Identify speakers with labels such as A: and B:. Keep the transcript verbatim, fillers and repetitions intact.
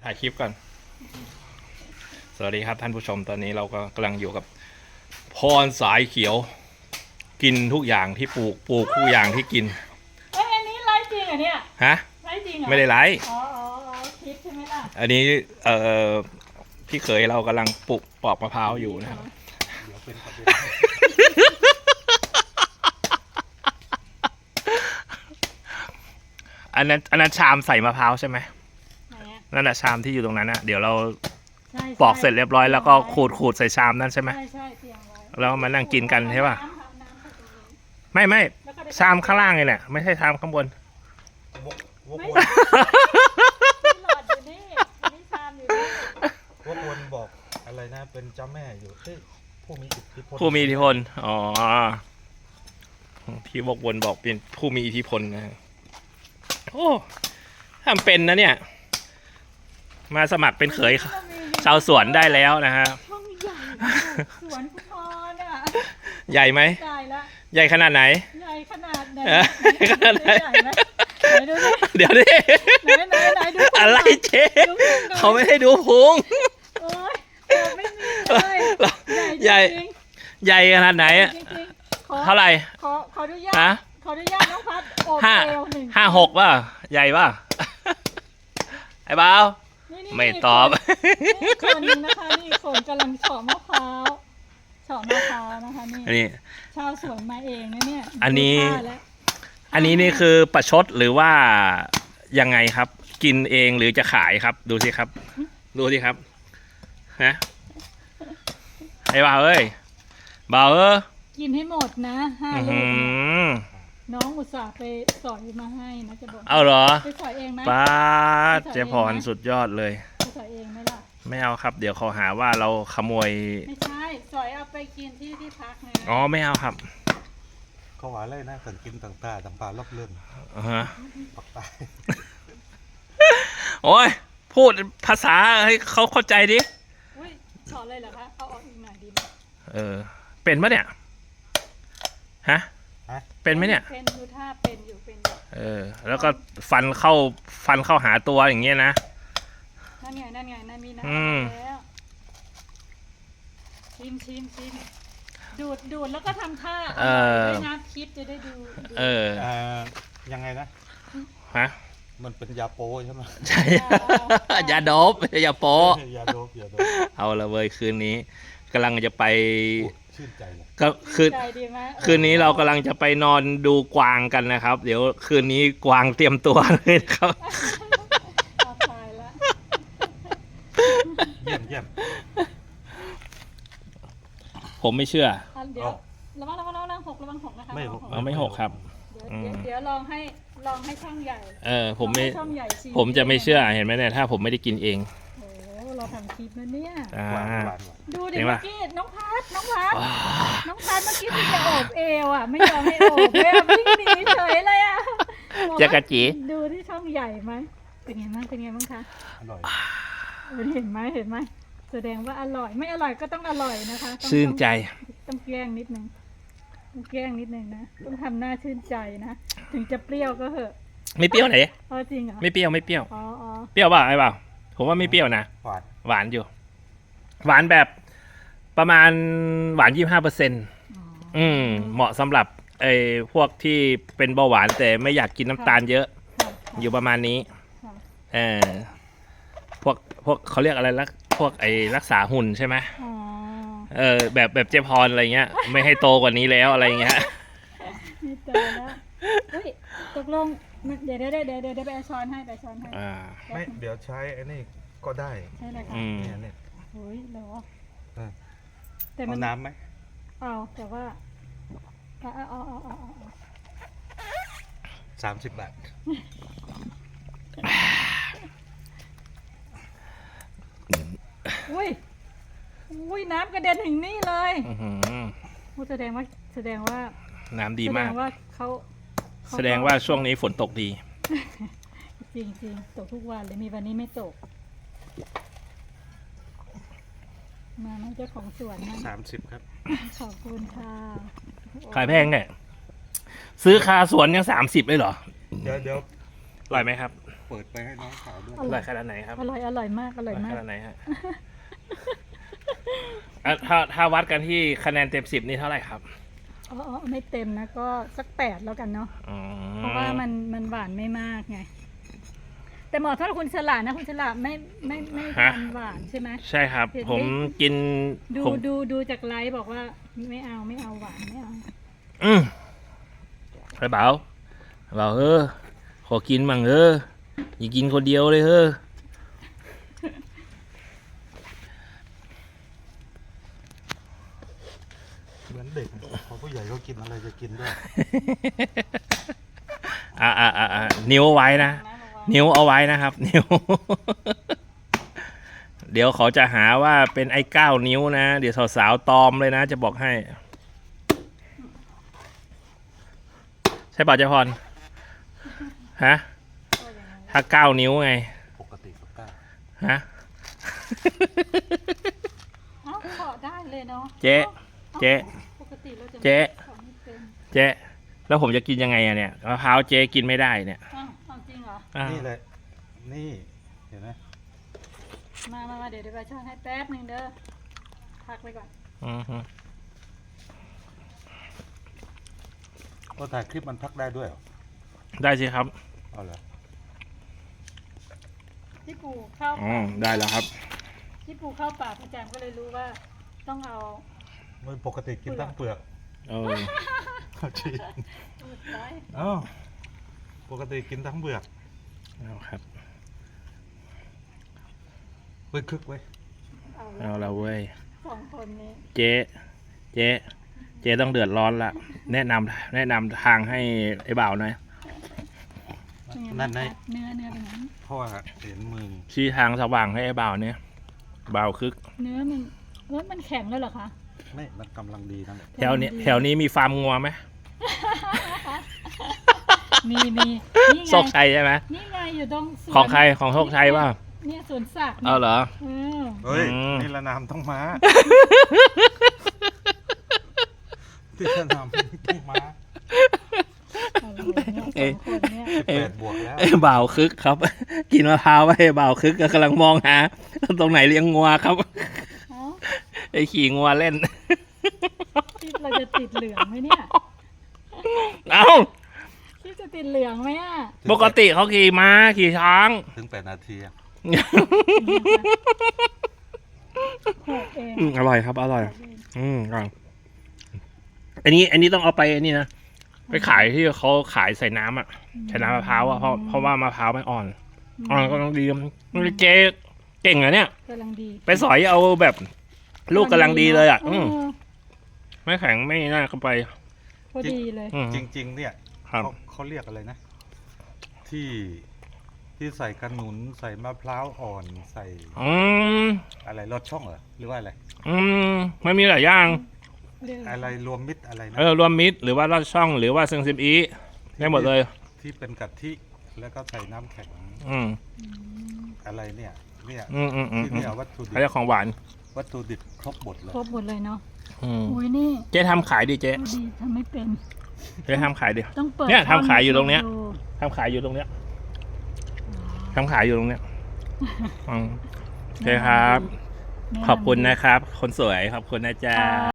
A: ถ่ายคลิปก่อนสวัสดีครับท่านผู้ชมตอนนี้เราก็กำลังอยู่กับพรสายเขียวกินทุกอย่างที่ปลูกปลูกทุกอย่างที่กิน
B: เอ้ยอันนี้ไลฟ์จริงเหรอเนี่ย
A: ฮะ
B: ไลฟ์จริงเหรอ
A: ไม่ได้ไลฟ์
B: อ๋ออ๋อคลิปใช่ไหมล่ะ
A: อันนี้เอ่อพี่เขยเรากำลังปลูกปอกมะพร้าวอยู่นะครับเดี๋ยวเป็นประเด็นอันนั้นอันนั้นชามใส่มะพร้าวใช่ไหมนั่นแหละชามที่อยู่ตรงนั้นนะเดี๋ยวเราปอกเสร็จเรียบร้อยแล้วก็ขูดขูดใส่ชามนั่นใช่ไหมใช่ใช่เตรียมไว้แล้วมานั่งกินกันใช่ป่ะไม่ไม่ชามข้างล่างเลยแหละไม่ใช่ชามข้างบน
B: ไม่หลอดอยู่นี่นี่ชามอยู่นี่
C: วกวนบอกอะไรนะเป็นเจ้าแม่อยู่ผู้มีอิทธิพล
A: ผู้มีอิทธิพลอ๋อพี่วกวนบอกเป็นผู้มีอิทธิพลนะโอ้ทำเป็นนะเนี่ยมาสมัครเป็นเขยชาวสวนได้แล้วนะฮะ
B: ช่องใหญ่สวนพุทรอ่ะ
A: ใหญ่ไหม
B: ใหญ่ละ
A: ใหญ่ขนาดไหน
B: ใหญ่ขนาดไหน
A: ขนาดไหนเดี๋ยวดิ
B: ไหนไหนไหนดู
A: อะไรเจ๊เขาไม่ให้ดูพุง
B: โอ้ยไม่มีเลย
A: ใหญ่ใหญ่ขนาดไหนเท่าไหร่
B: ขอขออนุญาตขออนุญาตน้องพัดโอบเอวหนึ่ง
A: ห้าหกป่ะใหญ่ป่ะไอ้บ่าวไม่ตอบ
B: นี่คนนึงนะคะนี่คนกำลังเฉาะมะพร้าวเฉาะมะพร้าวนะคะนี่ชาวสวนมาเองนะเนี่ย
A: อันนี้อันนี้นี่คือประชดหรือว่ายังไงครับกินเองหรือจะขายครับดูสิครับดูสิครับฮะไอ้บ่าวเอ้ยบ่าวเอ้ย
B: กินให้หมดนะห้าลูกน้องอุตส่าห์ไปสอยมาให้นะจะบอก
A: เอาเหรอ
B: ไปสอยเองไหม
A: ป้าเจ๊พรสุดยอดเลย
B: ไปสอยเองไหมล่ะ
A: ไม่เอาครับเดี๋ยวเขาหาว่าเราขโมย
B: ไม่ใช่สอยเอาไปกินที่ที่พักไง
A: อ๋อไม่เอาครับ
C: เขาว่าอะไรนะสั่งกินต่างตาต่างปลาลบเลื่อน
A: อ่าฮะ
C: ปักตาย
A: โอ้ยพูดภาษาให้เขาเข้าใจดิ
B: อุ้ยสอนเลยเหรอคะเอาออกอีกหน่อยดีไหม
A: เออเป็นปะเนี่ยฮะเป็นไหมเนี่ย
B: เป็นอยู่ท่าเป็นอยู่เป็นอยู่
A: เออแล้วก็ฟันเข้าฟันเข้าหาตัวอย่างเงี้ยนะ
B: นั่นไงนั่นไงนั่นมีนะแล้วชิมชิมชิมดูดดูดแล้วก็ทำท่าเออได้นะคิดจะได้ดู
A: เออ
C: ยังไงนะ
A: ฮะ
C: มันเป็นยาโป้ใช่ไหม
A: ใช่ยาโดบยาโป้
C: ยาโดบยาโดบ
A: เอาละเว้ยคืนนี้กำลังจะไป
C: ชื่นใจเลย
A: ก็คืนคืนนี้เรากำลังจะไปนอนดูกวางกันนะครับเดี๋ยวคืนนี้กวางเตรียมตัวเลยครับ
C: เยี่ยมเยี่ยม
A: ผมไม่เชื่อ
B: เดี๋ยวระวังระวังระวังหกระวังหกนะคะ
A: ไม่หกไม่หกครับ
B: เดี๋ยวลองให้ลองให้ช่องใหญ่
A: เออผมไม่ผมจะไม่เชื่อเห็นไหมเนี่ยถ้าผมไม่ได้กินเอง
B: เราทำคลิปนะเนี่ยดูดิ
A: เ
B: มื่อกี้น้องพัดน้องพัดน้องพัดเมื่อกี้ที่จะโอบเอวอ่ะไม่ยอมให้โอบเลยวิ่งหนีเฉยเลยอ่ะ
A: จักรจี
B: ดูที่ช่องใหญ่ไหมเป็นไงบ้างเป็นไงบ้างคะ
C: อร่อย
B: เห็นไหมเห็นไหมแสดงว่าอร่อยไม่อร่อยก็ต้องอร่อยนะคะ
A: ชื่นใจ
B: ต้องแกล้งนิดนึงต้องแกล้งนิดนึงนะต้องทำหน้าชื่นใจนะถึงจะเปรี้ยวก็เหอะ
A: ไม่เปรี้ยวไหน
B: เออจริงเหรอ
A: ไม่เปรี้ยวไม่เปรี้ยว
B: อ๋อ
A: เปรี้ยวป่ะไอ้เปล่าผมว่าไม่เปรี้ยวนะ
C: หวาน
A: หวานอยู่หวานแบบประมาณหวานยี่สิบห้าเปอร์เซ็นต์อืมเหมาะสำหรับไอ้พวกที่เป็นเบาหวานแต่ไม่อยากกินน้ำตาลเยอะอยู่ประมาณนี้เออพวกพวกเขาเรียกอะไรลักพวกไอ้รักษาหุ่นใช่ไหมเออแบบแบบเจพรอะไรเงี้ยไม่ให้โตกว่านี้แล้วอะไรเงี้ย
B: ไม่โตแล้วเฮ้ยตกลงเดี๋ยวเดี๋ยวเดี๋ยวเดี๋ยวไปช้อนให้ไปช้อนให้
C: ไม่เดี๋ยวใช้ไอ้นี่ก็ได้
B: ใช่เลยค่ะ
C: เนี่ยเนี่ย
B: โอ้ยเหรอ
C: แต่มันน้ำไหม
B: เอาแต่ว่าเอาเอาเอาเอาเอา
C: สามสิบบาท
B: อุ้ยอุ้ยน้ำกระเด็นถึงนี่เลยแสดงว่าแสดงว่า
A: น้ำดีมาก
B: แสดงว่าเขา
A: แสดงว่าช่วงนี้ฝนตกดี
B: จริงจริงตกทุกวันเลยมีวันนี้ไม่ตกมาเจ้าของสวนนะ
C: สามสิบครับ
B: ขอบคุณค่ะ
A: ขายแพงเนี่ยซื้อคาสวนยังสามสิบเลยเหรอ
C: เดี๋ยวเดี๋ยว
A: อร่อยไหมครับ
C: ผปิดไปให้น้องสาวด้วย
A: อร่อยขนาดไหนครับ
B: อร่อยอร่อยมากอร่อยมา
A: ข
B: ก
A: นาดไหนฮะ อ่ะถ้าถ้าวัดกันที่คะแนนเต็มสิบนี่เท่าไหร่ครับ
B: อ๋ออ๋อไม่เต็มนะก็สักแปดแล้วกันเนาะ
A: อืม
B: เพราะว่ามันมันหวานไม่มากไงแต่หมอถ้าคุณฉลาดนะคุณฉลาดไม่ไม่ไม่ทานหวานใช่ไหม
A: ใช่ครับ
B: เห็นไหม
A: ผมกิน
B: ดู
A: ผม
B: ดูดูจากไลฟ์บอกว่าไม่เอาไม่เอาหวานไม่เอา
A: อืมไปเบาเบาเออขอกินมั่งเอออย่ากินคนเดียวเลยเออ
C: เหมือนเด็กพอผู้ใหญ่เขากินอะไรจะกินด้วย
A: อ่าอ่าอ่าอ่านิ้วเอาไว้นะ นิ้วเอาไว้นะครับ นิ้ว เดี๋ยวเขาจะหาว่าเป็นไอ้เก้านิ้วนะ เดี๋ยวสาวๆตอมเลยนะ จะบอกให้ ใช่ป่ะเจ๊พรฮะ ถ้าเก้านิ้วไง
C: ปกติก็กล้า
A: ฮะ
B: เอ้าขอได้เลยเนาะ
A: เจ๊เจ๊
B: ปกติเราจะ
A: เจ๊
B: ขอไม่เป็น
A: เจ๊แล้วผมจะกินยังไงอะเนี่ยมะพร้าวเจ๊กินไม่ได้เนี่ย
B: อ้าวเอาจริงเหรอ
A: อ้าว
C: นี่เลยนี่เห็นไหม
B: มามามาเดี๋ยวเดี๋ยวไปช่วยให้แป๊บหนึ่งเด้อพักไว้ก่อน
A: อือฮึ
C: พอถ่ายคลิปมันพักได้ด้วยเหรอ
A: ได้สิครับ
C: เอาเหรอ
B: ที่ปู่เข้า
A: อืมได้แล้วครับ
B: ที่ปู่เข้าป่าประจำก็เลยรู้ว่าต้องเอา
C: มันปกติกินทั้งเปลือก
A: เออ
C: เอาจริง
B: ตูดไว้
C: เอ้าปกติกินทั้งเปลือก
A: เอาครับ
C: เว้ยคึกไว้ย
B: เอาละ
A: เอาละเว้ย
B: สองคนนี้
A: เจ๊เจ๊เจ๊ต้องเดือดร้อนละ แนะนำแนะนำทางให้ไอ้บ่าวหน่อย
C: นั่นไง
B: เนื้อเนื้อเป็นไง
C: เพราะว่าเห็นมือ
A: ชี้ทางสว่างให้ไอ้บ่าวเนี่ยบ่าวคึก
B: เนื้อมันเอ้ยมันแข็งแล้วเหรอคะ
C: ไม่มันกำลังดีนั่นแหละ
A: แถวนี้แถวนี้มีฟาร์มงัวไหม
B: มีมีนี่ไง
A: โชคชัยใช่ไหม
B: นี่ไงอยู่ตรงสวน
A: ของใครของโชคชัยป่ะ
B: เนี่ยสวนสัตว์นี่ย
A: เอาเหรอ
B: เออ
C: เฮ้ย
A: อืม
C: นี่ละนามต้องมาที่ละนามต้องมา
B: อะไรเนี่ยสองคนเนี่ย
C: แปดบวกแล้ว
A: ไอ้บ่าวคึกครับ กินมะพร้าวไปไอ้บ่าวคึกก็กำลังมองหาตรงไหนเลี้ยงงัวครับ
B: เอ้า
A: ไอ้ขี่งัวเล่น
B: คลิปเราจะติดเหลืองไหมเนี่ย
A: เอ้า
B: คลิปจะติดเหลืองไหมอ่ะ
A: ปกติเขาขี่ม้าขี่ช้าง
C: ถึงแปดนาทีอะ
B: หกเอง
A: อืมอร่อยครับอร่อย อืมอร่อยอันนี้ อันนี้ต้องเอาไปอันนี้นะไปขายที่เขาขายใส่น้ำอ่ะใส่น้ำมะพร้าวอ่ะเพราะเพราะว่ามะพร้าวไม่อ่อนอ่อนก็ต้องดีมันเจ๊เก่งอะเนี่ย
B: กำลังดี
A: ไปสอยเอาแบบลูกกำลังดีเลยอ่ะ
B: เอ
A: อืม
B: อ
A: ไม่แข็งไม่น่าเข้าไป
B: พอดีเลย
A: อืม
C: จริง ๆ เนี่ย
A: ครับ
C: เขาเขาเรียกอะไรนะ ที่ที่ใส่ขนุนใส่มะพร้าวอ่อนใส่
A: อืม
C: อะไรรสช่องเหรอหรือว่าอะไร
A: อืมมันมีหลายอย่าง
B: เรื่อง
C: อะไรรวมมิตรอะไรนะ
A: เออรวมมิตรหรือว่าลอดช่องหรือว่าเซิงซิมอีได้หมดเลย
C: ที่เป็นกะทิแล้วก็ใส่น้ำแข็ง
A: อืม
C: อะไรเนี่ย เนี่ย
A: อืมอืมอืม
C: ที่
A: อืม
C: เนี่ยวัตถุดิ
A: เขาเรีย
C: บ
A: กของหวาน
C: วัตถุดิบครบหมดเลย
B: ครบหมดเลยเนาะ
A: อืม
B: อุ้ยนี่
A: เจ๊ทำขายดิเจ๊
B: ดูดีทำไม่เป็น
A: เจ๊ทำขายดิ
B: ต้องเปิด
A: เนี่ยทำขายอยู่ตรงเนี้ย
B: ดู
A: ทำขายอยู่ตรงเนี้ยทำขายอยู่ตรงเนี้ยอืมโอเคครับ
B: แนะนำ
A: ขอบคุณนะครับ คนสวยขอบคุณนะจ๊ะ
B: ค่ะ